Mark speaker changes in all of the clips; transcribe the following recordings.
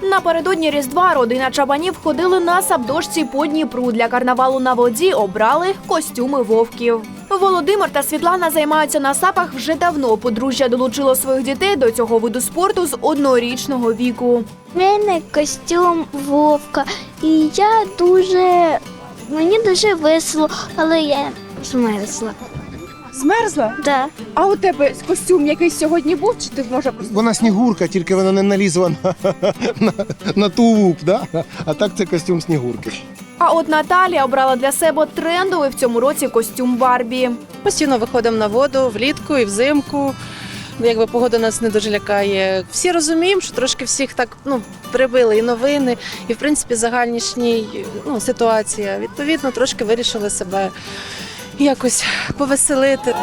Speaker 1: Напередодні Різдва родина Чабанів ходили на сабдошці по Дніпру. Для карнавалу на воді обрали костюми вовків. Володимир та Світлана займаються на сапах вже давно. Подружжя долучило своїх дітей до цього виду спорту з однорічного віку.
Speaker 2: У мене костюм вовка, і мені дуже весело, але я змерзла.
Speaker 3: Змерзла?
Speaker 2: Да.
Speaker 3: А у тебе костюм якийсь сьогодні був, чи ти може просто?
Speaker 4: Вона Снігурка, тільки вона не налізла на тулуп, да? А так це костюм Снігурки.
Speaker 1: А от Наталія обрала для себе трендовий в цьому році костюм Барбі.
Speaker 5: Постійно виходимо на воду влітку і взимку. Якби погода нас не дуже лякає. Всі розуміємо, що трошки всіх так прибили і новини, і в принципі загальнішній ситуація. Відповідно, трошки вирішили себе якось повеселити.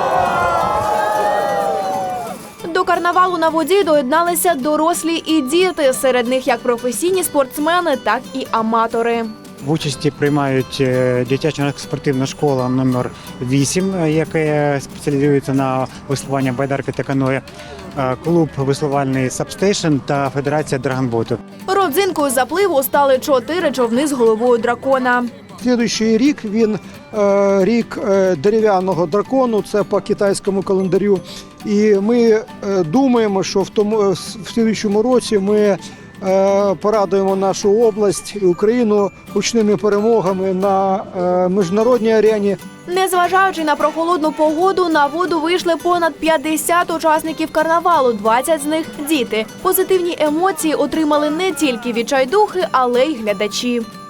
Speaker 1: До карнавалу на воді доєдналися дорослі і діти. Серед них як професійні спортсмени, так і аматори.
Speaker 6: В участі приймають дитяча спортивна школа номер 8, яка спеціалізується на веслуванні байдарки та каное, клуб веслувальний «Сабстейшн» та Федерація драгонботу.
Speaker 1: Родзинкою запливу стали 4 човни з головою дракона.
Speaker 7: Слідуючий рік він рік дерев'яного дракону, це по китайському календарю. І ми думаємо, що в слідуючому році ми порадуємо нашу область і Україну гучними перемогами на міжнародній арені.
Speaker 1: Незважаючи на прохолодну погоду, на воду вийшли понад 50 учасників карнавалу, 20 з них – діти. Позитивні емоції отримали не тільки відчайдухи, але й глядачі.